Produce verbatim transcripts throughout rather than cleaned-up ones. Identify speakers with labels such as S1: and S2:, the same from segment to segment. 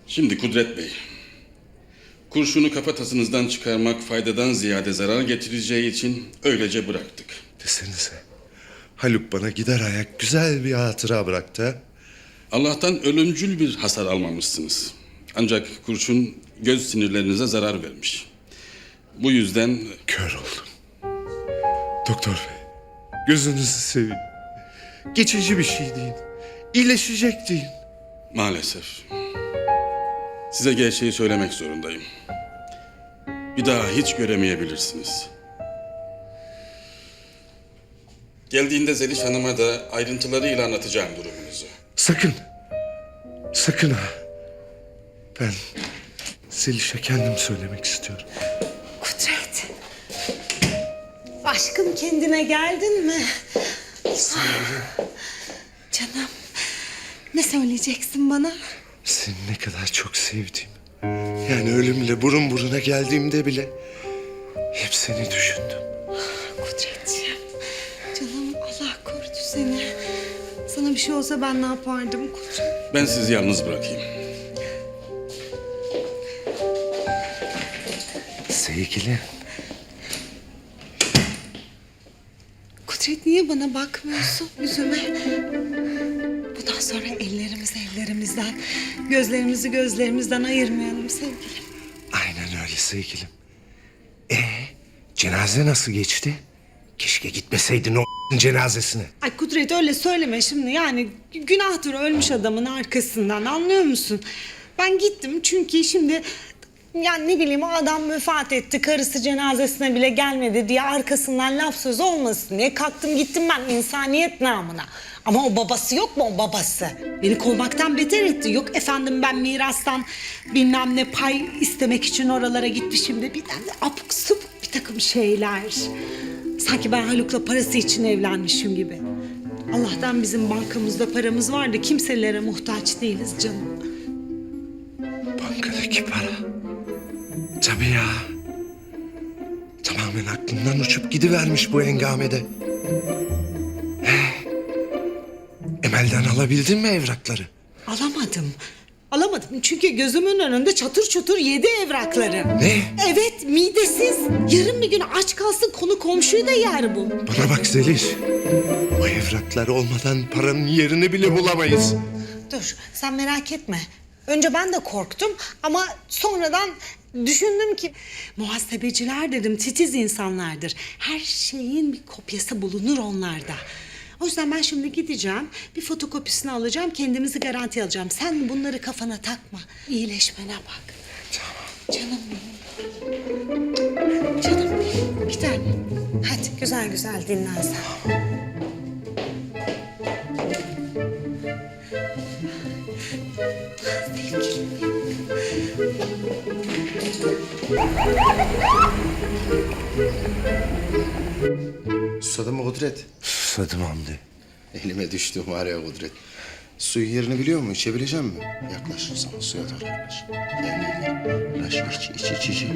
S1: Şimdi Kudret Bey, kurşunu kafatasınızdan çıkarmak faydadan ziyade zarar getireceği için öylece bıraktık.
S2: Desenize, Haluk bana gider ayak güzel bir hatıra bıraktı ha?
S1: Allah'tan ölümcül bir hasar almamışsınız. Ancak kurşun göz sinirlerinize zarar vermiş. Bu yüzden
S2: Kör oldum. Doktor bey, gözünüzü seveyim. Geçici bir şey deyin. İyileşecek deyin.
S1: maalesef size gerçeği söylemek zorundayım. Bir daha hiç göremeyebilirsiniz. Geldiğinde Zeliş Hanım'a da ayrıntılarıyla anlatacağım durumunuzu.
S2: Sakın. Sakın ha. Ben Zeliş'e kendim söylemek istiyorum.
S3: Kudret. Aşkım kendine geldin mi? Canım. Ne söyleyeceksin bana?
S2: Seni ne kadar çok sevdiğimi. Yani ölümle burun buruna geldiğimde bile hep seni düşündüm.
S3: Kudretciğim. Canım Allah korudu seni. Sana bir şey olsa ben ne yapardım Kudret?
S1: Ben sizi yalnız bırakayım.
S2: Sevgili.
S3: Kudret niye bana bakmıyorsun yüzüme? Bundan sonra ellerimizi ellerimizden, gözlerimizi gözlerimizden ayırmayalım sevgilim.
S2: Aynen öyle sevgilim. Ee, cenaze nasıl geçti? Keşke gitmeseydin o cenazesine.
S3: Ay Kudret öyle söyleme şimdi yani günahtır ölmüş adamın arkasından anlıyor musun? Ben gittim çünkü şimdi yani ne bileyim o adam vefat etti karısı cenazesine bile gelmedi diye arkasından laf söz olmasın diye kalktım gittim ben insaniyet namına. Ama o babası yok mu o babası? Beni kovmaktan beter etti. Yok efendim ben mirastan bilmem ne pay istemek için oralara gitmişim de bilmem ne abuk subuk bir takım şeyler. Sanki ben Haluk'la parası için evlenmişim gibi. Allah'tan bizim bankamızda paramız var da kimselere muhtaç değiliz canım.
S2: Bankadaki para. Tabii ya. Tamamen aklımdan uçup gidivermiş bu hengamede. He. Emel'den alabildin mi evrakları?
S3: Alamadım. Alamadım çünkü gözümün önünde çatır çutur yedi evrakları.
S2: Ne?
S3: Evet midesiz. Yarın bir gün aç kalsın konu komşuyu da yer bu.
S2: Bana bak Zeliş. O evraklar olmadan paranın yerini bile bulamayız.
S3: Dur sen merak etme. Önce ben de korktum ama sonradan düşündüm ki muhasebeciler dedim titiz insanlardır. Her şeyin bir kopyası bulunur onlarda. O yüzden ben şimdi gideceğim, bir fotokopisini alacağım, kendimizi garanti alacağım. Sen bunları kafana takma, iyileşmene bak. Tamam. Canım benim. Canım benim, bir tane. Hadi güzel güzel dinlen sen. Sevgilim benim.
S4: Susadın mı Kudret?
S2: Susadım Hamdi.
S4: Elime düştü var ya Kudret. Suyun yerini biliyor musun? İçebilecek misin? Yaklaş sana suya doğru yaklaş. Gel gel gel. Yaklaş iç iç iç iç.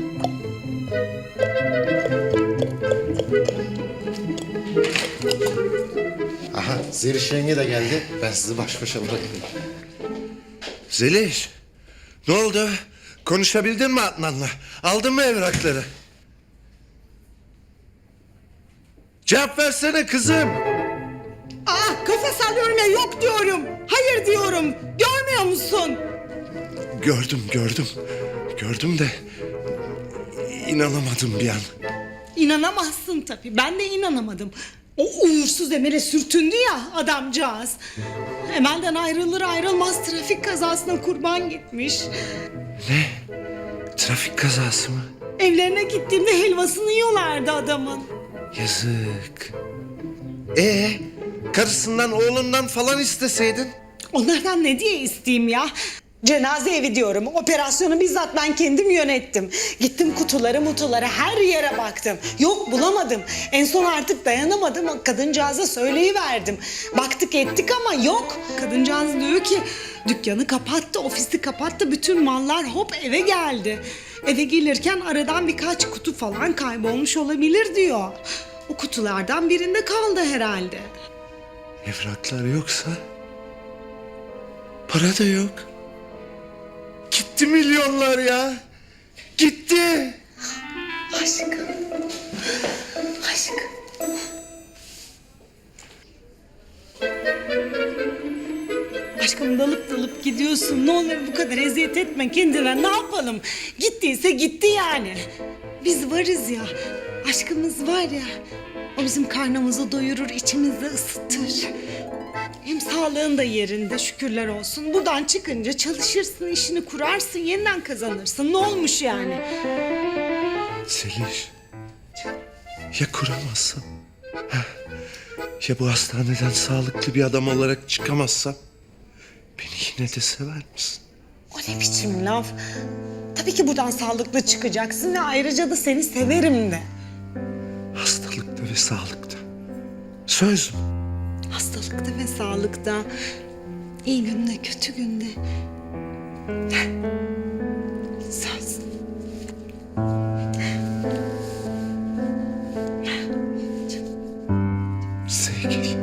S4: Aha Zeliş yenge de geldi. Ben sizi baş başa bırakayım.
S2: Zeliş. Ne oldu? Konuşabildin mi Adnan'la? Aldın mı evrakları? Cevap versene kızım.
S3: Aa kafa sallıyorum ya yok diyorum. Hayır diyorum. Görmüyor musun?
S2: Gördüm gördüm. Gördüm de inanamadım bir an.
S3: İnanamazsın tabii. Ben de inanamadım. O uğursuz Emel'e sürtündü ya adamcağız. Emel'den ayrılır ayrılmaz trafik kazasına kurban gitmiş.
S2: Ne? Trafik kazası mı?
S3: Evlerine gittiğimde helvasını yiyorlardı adamın.
S2: Yazık. Ee, karısından oğlundan falan isteseydin.
S3: Onlardan ne diye isteyeyim ya? Cenaze evi diyorum. Operasyonu bizzat ben kendim yönettim. Gittim kutuları mutuları her yere baktım. Yok bulamadım. En son artık dayanamadım. Kadıncağıza söyleyiverdim. Baktık ettik ama yok. Kadıncağız diyor ki dükkanı kapattı, ofisi kapattı. Bütün mallar hop eve geldi. Eve gelirken aradan birkaç kutu falan kaybolmuş olabilir diyor. O kutulardan birinde kaldı herhalde.
S2: Evraklar yoksa para da yok. Gitti Gitti milyonlar ya. Gitti.
S3: Aşkım. Aşkım. Aşkım dalıp dalıp gidiyorsun. Ne olur bu kadar eziyet etme kendine. Ne yapalım? Gittiyse gitti yani. Biz varız ya. Aşkımız var ya. O bizim karnımızı doyurur, içimizi ısıtır. Hem sağlığın da yerinde şükürler olsun. Buradan çıkınca çalışırsın, işini kurarsın, yeniden kazanırsın. Ne olmuş yani?
S2: Zeliş. Ya kuramazsam? Ha? Ya bu hastaneden sağlıklı bir adam olarak çıkamazsam? Beni yine de sever misin?
S3: O ne biçim laf? Tabii ki buradan sağlıklı çıkacaksın ve ayrıca da seni severim de.
S2: Hastalıkta ve sağlıkta. Söz mü?
S3: Hastalıkta ve sağlıkta, iyi günde, kötü günde. Söz.
S2: Sevgili.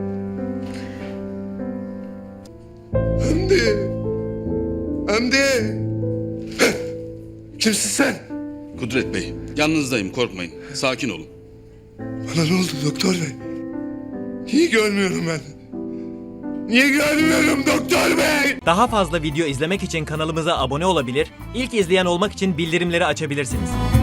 S2: Hamdi. Hamdi. Kimsin sen?
S1: Kudret Bey, yanınızdayım, korkmayın. Sakin olun.
S2: Bana ne oldu doktor bey? Niye görmüyorum ben? Niye görmüyorum doktor bey?
S5: Daha fazla video izlemek için kanalımıza abone olabilir, ilk izleyen olmak için bildirimleri açabilirsiniz.